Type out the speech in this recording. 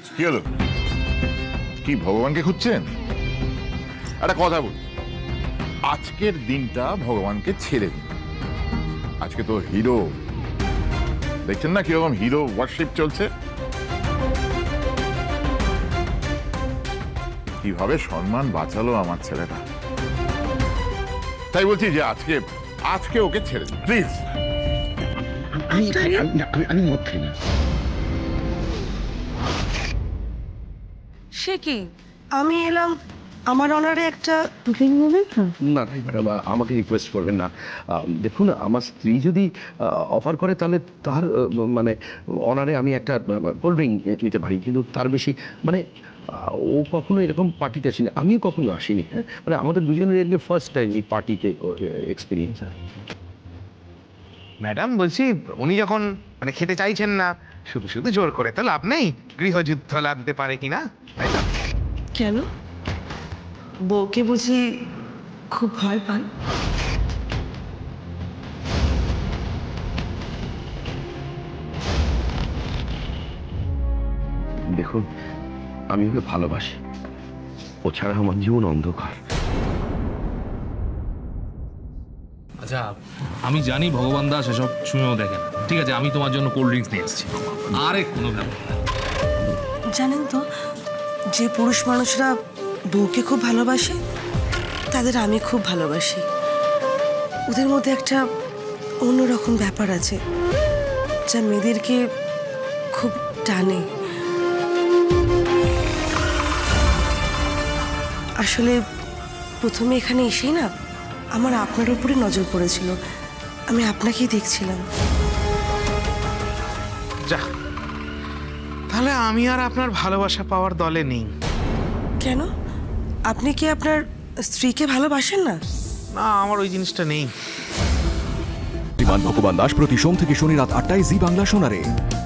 কি হলো? কি ভগবানকে খুঁজছেন? একটা কথা বল, আজকের দিনটা ভগবানকে ছেড়ে দিন। আজকে তো হিরো, দেখছেন না কিরকম হিরো ওয়ার্শিপ চলছে? কিভাবে সম্মান বাঁচালো আমার ছেলেটা। তাই বলছি যে আজকে আজকে ওকে ছেড়ে দিন প্লিজ। আমি মদ খাই না। সে কি? আমি এলাম আমার অনারে একটা বুকিং নেবেন না? না ম্যাডাম, আমাকে রিকোয়েস্ট করবেন না। দেখুন, আমার স্ত্রী যদি অফার করে তাহলে তার মানে অনারে আমি একটা কোল্ড ড্রিঙ্ক নিতে পারি, কিন্তু তার বেশি মানে ও কখনো এরকম পার্টিতে আসেনি, আমিও কখনো আসিনি। হ্যাঁ, মানে আমাদের দুজনের ফার্স্ট টাইম এই পার্টিতে এক্সপিরিয়েন্স। ম্যাডাম বলছি, উনি যখন মানে খেতে চাইছেন না, শুধু শুধু জোর করে তো লাভ নেই, গৃহযুদ্ধ লাগতে পারে কিনা। কেন? বউকে বুঝি খুব ভয় পান? দেখুন, আমি ওকে ভালোবাসি, ও ছাড়া আমার জীবন অন্ধকার। আচ্ছা, আমি জানি ভগবান দাস এসব শুনেও দেখেন। ঠিক আছে, আমি তোমার জন্য কোল্ড ড্রিঙ্কস নিয়ে এসেছি। আরে কোনো ব্যাপার না। জানেন তো, যে পুরুষ মানুষরা বউকে খুব ভালোবাসে তাদের আমি খুব ভালোবাসি। ওদের মধ্যে একটা অন্যরকম ব্যাপার আছে যা মেয়েদেরকে খুব টানে। আসলে প্রথমে এখানে এসেই না আমার আপনার উপরে নজর পড়েছিল, আমি আপনাকেই দেখছিলাম। যা, তাহলে আমি আর আপনার ভালোবাসা পাওয়ার দলে নেই। কেন? আপনি কি আপনার স্ত্রীকে ভালোবাসেন না? না, আমার ওই জিনিসটা নেই। ভগবান দাস প্রতি সোম থেকে শনি রাত ৮টায় জি বাংলা শোনারে।